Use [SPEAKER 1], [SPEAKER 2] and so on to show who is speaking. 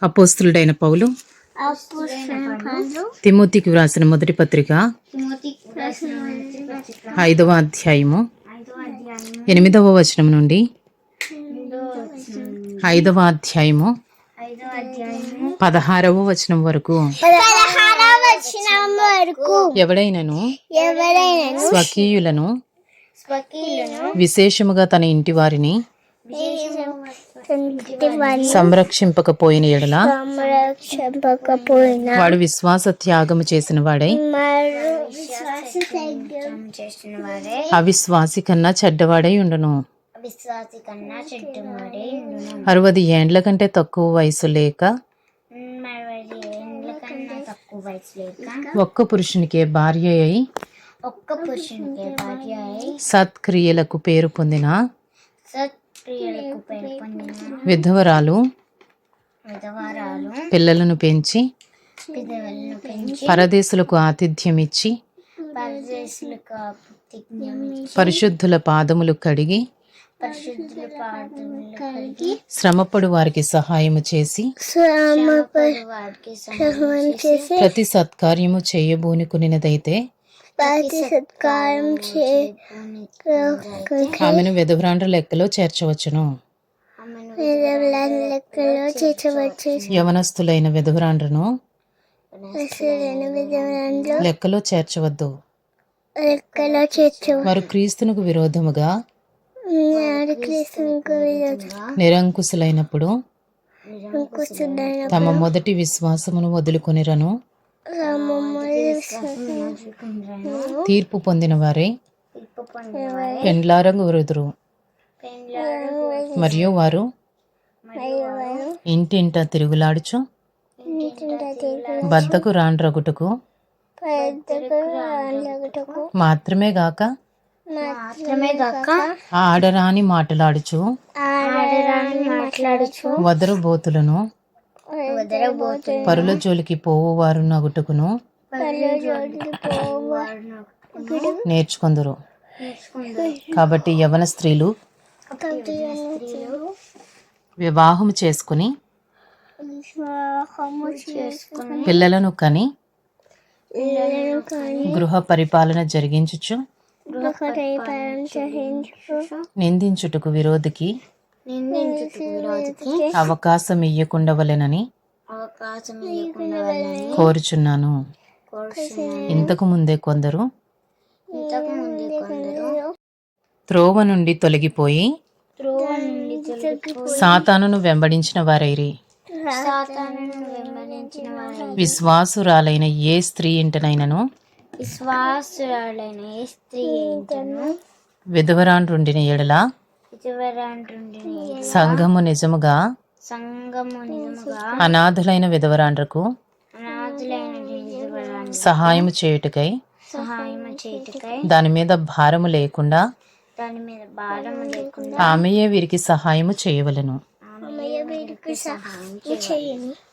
[SPEAKER 1] అపోస్తులుడైన పౌలు తిమోతికి వ్రాసిన మొదటి పత్రిక 5వ అధ్యాయము 8వ వచనం నుండి 5వ అధ్యాయము 16వ వచనం వరకు. ఎవడైనను స్వకీయులను విశేషముగా తన ఇంటి వారిని సంరక్షింపకపోయిన ఎడల వాడు విశ్వాస త్యాగము చేసిన వాడై అవిశ్వాసి కన్నా చెడ్డవాడై ఉండును. 60 ఏండ్ల కంటే తక్కువ వయసు లేక ఒక్క పురుషునికే భార్య అయి సత్క్రియలకు పేరు పొందిన విధవరాలు పిల్లలను పెంచి పరదేశులకు ఆతిథ్యం ఇచ్చి పరిశుద్ధుల పాదములు కడిగి శ్రమపడు వారికి సహాయము చేసి ప్రతి సత్కార్యము చేయబూనుకునినదైతే ఆమెను విధవరాండ్ర లెక్కలో చేర్చవచ్చును. యవనస్తులైన విధవరాండ్రను లెక్కలో చేర్చవద్దు. వారు క్రీస్తునకు విరోధముగా నిరంకుశులైనప్పుడు తమ మొదటి విశ్వాసమును వదులుకొనిరను తీర్పు పొందిన వారే పెండ్లారగు వృదురు. మరియు వారు ఇంటింట తిరుగులాడుచు బద్దకు రాండ్రగుటకు మాత్రమే గాక ఆడరాని మాటలాడుచు వదరుబోతులను పరుల జోలికి పోవువారు నగుటకును నేర్చుకొందురు. కాబట్టి యవన స్త్రీలు వివాహము చేసుకుని పిల్లలను కని గృహ పరిపాలన జరిగించుచు నిందించుటకు విరోధికి అవకాశం ఇయ్యకుండవలెనని కోరుచున్నాను. ఇంతకు ముందే కొందరు త్రోవ నుండి తొలగిపోయి సాతానును వెంబడించిన వారైరి. విశ్వాసురాలైన ఏ స్త్రీ ఇంటనైనను విధవరాండ్రుండిన ఎడల సంఘము నిజముగా అనాథులైన విధవరాండ్రకు సహాయము చేయుటకై దాని మీద భారము లేకుండా ఆమెయే వీరికి సహాయము చేయవలెను.